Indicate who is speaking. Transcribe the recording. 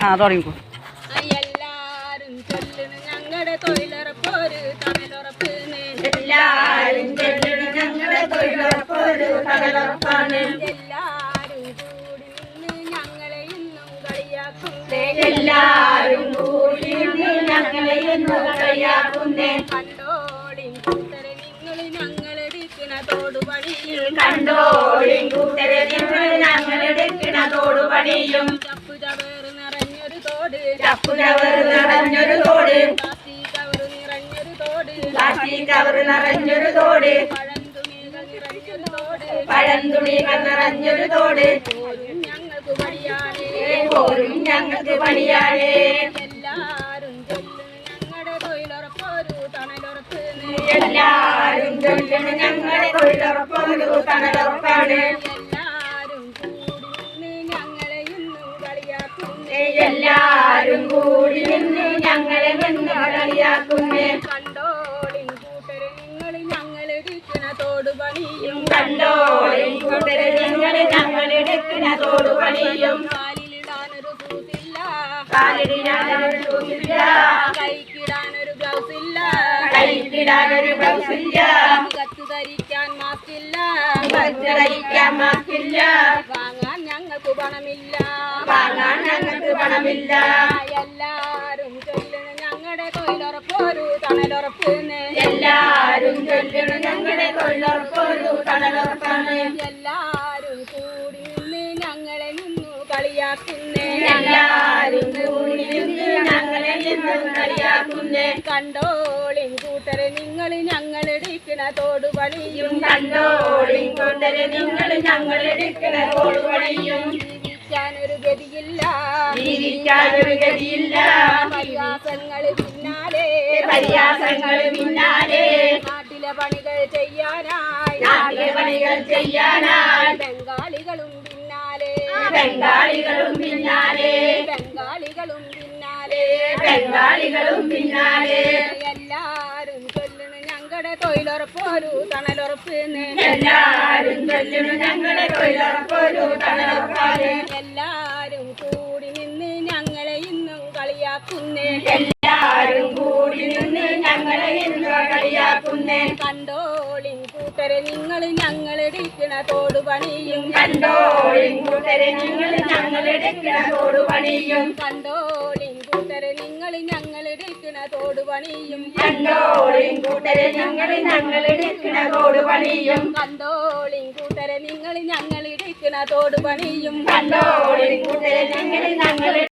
Speaker 1: തുടങ്ങിക്കോ.
Speaker 2: എല്ലാരും ചൊല്ലണ് ഞങ്ങളുടെ തൊഴിലുറപ്പൊരു തണലുറപ്പ്.
Speaker 3: എല്ലാരും ചൊല്ലണ് ഞങ്ങളുടെ തൊഴിലുറപ്പൊരു തണലുറപ്പാണ്.
Speaker 2: എല്ലാരും കൂടി നിന്ന് ഞങ്ങളെ ഇന്നും കളിയാക്കുന്നേ.
Speaker 3: എല്ലാരും കൂടി നിന്ന് ഞങ്ങളെ ഇന്നും കളിയാക്കുന്നേ.
Speaker 2: കണ്ടോളിൻ കൂട്ടരെ നിങ്ങൾ ഞങ്ങളെടുക്കണ തോടുപണിയും.
Speaker 3: കണ്ടോളിൻ കൂട്ടരെ നിങ്ങൾ ഞങ്ങളെടുക്കണ തോടുപണിയും.
Speaker 2: ചപ്പുചവറ് നിറഞ്ഞൊരു തോട്.
Speaker 3: ചപ്പുചവറ് നിറഞ്ഞൊരു തോട്.
Speaker 2: പ്ലാസ്റ്റിക് കവറ് നിറഞ്ഞൊരു തോട്.
Speaker 3: പ്ലാസ്റ്റിക് കവറ് നിറഞ്ഞൊരു തോട്.
Speaker 2: പഴംതുണികൾ നിറഞ്ഞൊരു തോട്.
Speaker 3: പഴംതുണികൾ നിറഞ്ഞൊരു തോട്.
Speaker 2: പോരും ഞങ്ങൾക്ക് പണിയാനേ.
Speaker 3: പോരും ഞങ്ങൾക്ക് പണിയാനേ.
Speaker 2: എല്ലാരും ചൊല്ലുന്നു ഞങ്ങളുടെ തൊഴിലുറപ്പൊരു തണലുറപ്പ്.
Speaker 3: എല്ലാരും ചൊല്ലണ് ഞങ്ങളുടെ തൊഴിലുറപ്പൊരു തണലുറപ്പാണ്.
Speaker 2: എല്ലാരും കൂടി നിന്ന് ഞങ്ങളെ ഇന്നും കളിയാക്കുന്നേ.
Speaker 3: എല്ലാരും കൂടി നിന്ന് ഞങ്ങളെ നിന്ന് കളിയാക്കുന്നേ.
Speaker 2: കണ്ടോളിൻ കൂട്ടരെ നിങ്ങൾ ഞങ്ങളെടുക്കണ തോടുപണിയും.
Speaker 3: കണ്ടോളിൻ കൂട്ടരെ നിങ്ങൾ ഞങ്ങളെടുക്കണ തോടുപണിയും.
Speaker 2: കാലിലിടാനൊരു ഷൂസില്ല.
Speaker 3: കാലിടാനൊരു ഷൂസില്ല.
Speaker 2: കൈക്കിടാനൊരു ഗ്ലൗസില്ല.
Speaker 3: കൈക്കിടാനൊരു ബ്ലൗസില്ല.
Speaker 2: മുഖത്ത് ധരിക്കാൻ മാസ്കില്ല.
Speaker 3: ധരിക്കാൻ മാസ്കില്ല.
Speaker 2: വാങ്ങാൻ ഞങ്ങൾക്ക് പണമില്ല.
Speaker 3: വാങ്ങാൻ ഞങ്ങൾക്ക് പണമില്ല.
Speaker 2: എല്ലാരും ചൊല്ലണ ഞങ്ങളുടെ തൊഴിലുറപ്പൊരു തണലുറപ്പ്.
Speaker 3: എല്ലാരും ചൊല്ലണ് ഞങ്ങളുടെ തൊഴിലുറപ്പൊരു തണലുറപ്പാണ്.
Speaker 2: എല്ലാരും കൂടി നിന്ന് ഞങ്ങളെ നിന്നു കളിയാക്കുന്നേ.
Speaker 3: എല്ലാരും കൂടി നിന്ന് ഞങ്ങളെ നിന്ന് കളിയാക്കുന്നേ.
Speaker 2: കണ്ടോളിൻ കൂട്ടരെ നിങ്ങൾ ഞങ്ങളെടുക്കണ തോടുപണിയും.
Speaker 3: കണ്ടോളിൻ കൂട്ടരെ നിങ്ങൾ ഞങ്ങളെടുക്കണ തോടുപണിയും.
Speaker 2: ജീവിക്കാനൊരു ഗതിയില്ല.
Speaker 3: ജീവിക്കാനൊരു ഗതിയില്ല.
Speaker 2: പരിഹാസങ്ങൾ പിന്നാലെ.
Speaker 3: പരിഹാസങ്ങൾ പിന്നാലെ.
Speaker 2: നാട്ടിലെ പണികൾ ചെയ്യാനായി.
Speaker 3: നാട്ടിലെ പണികൾ ചെയ്യാനായി.
Speaker 2: ബംഗാളികളും പിന്നാലെ.
Speaker 3: ബംഗാളികളും പിന്നാലെ.
Speaker 2: ബംഗാളികളും പിന്നാലെ.
Speaker 3: ബംഗാളികളും പിന്നാലെ.
Speaker 2: എല്ലാരും ചൊല്ലണ് ഞങ്ങളുടെ തൊഴിലുറപ്പൊരു തണലുറപ്പ്.
Speaker 3: എല്ലാരും ചൊല്ലണു ഞങ്ങളുടെ തൊഴിലുറപ്പൊരു തണലുറപ്പാണ്.
Speaker 2: എല്ലാരും കൂടി നിന്ന് ഞങ്ങളെ ഇന്നും കളിയാക്കുന്നേ.
Speaker 3: എല്ലാരും കൂടി നിന്ന് ഞങ്ങളെ ഇന്ന് കളിയാക്കുന്നേ.
Speaker 2: കണ്ടോളിൻ കൂട്ടരെ നിങ്ങൾ ഞങ്ങളെടുക്കണ തോടുപണിയും.
Speaker 3: കണ്ടോളിൻ കൂട്ടരെ നിങ്ങൾ ഞങ്ങളെടുക്കണ തോടുപണിയും.
Speaker 2: കണ്ടോളിൻ കൂട്ടരെ നിങ്ങൾ ഞങ്ങളെടുക്കണ തോടുപണിയും.
Speaker 3: കണ്ടോളിൻ കൂട്ടരെ നിങ്ങൾ ഞങ്ങളെടുക്കണ തോടുപണിയും.
Speaker 2: കണ്ടോളിൻ കൂട്ടരെ നിങ്ങൾ ഞങ്ങളെടുക്കണ തോടുപണിയും.
Speaker 3: കണ്ടോളിൻ കൂട്ടരെ നിങ്ങൾ ഞങ്ങൾ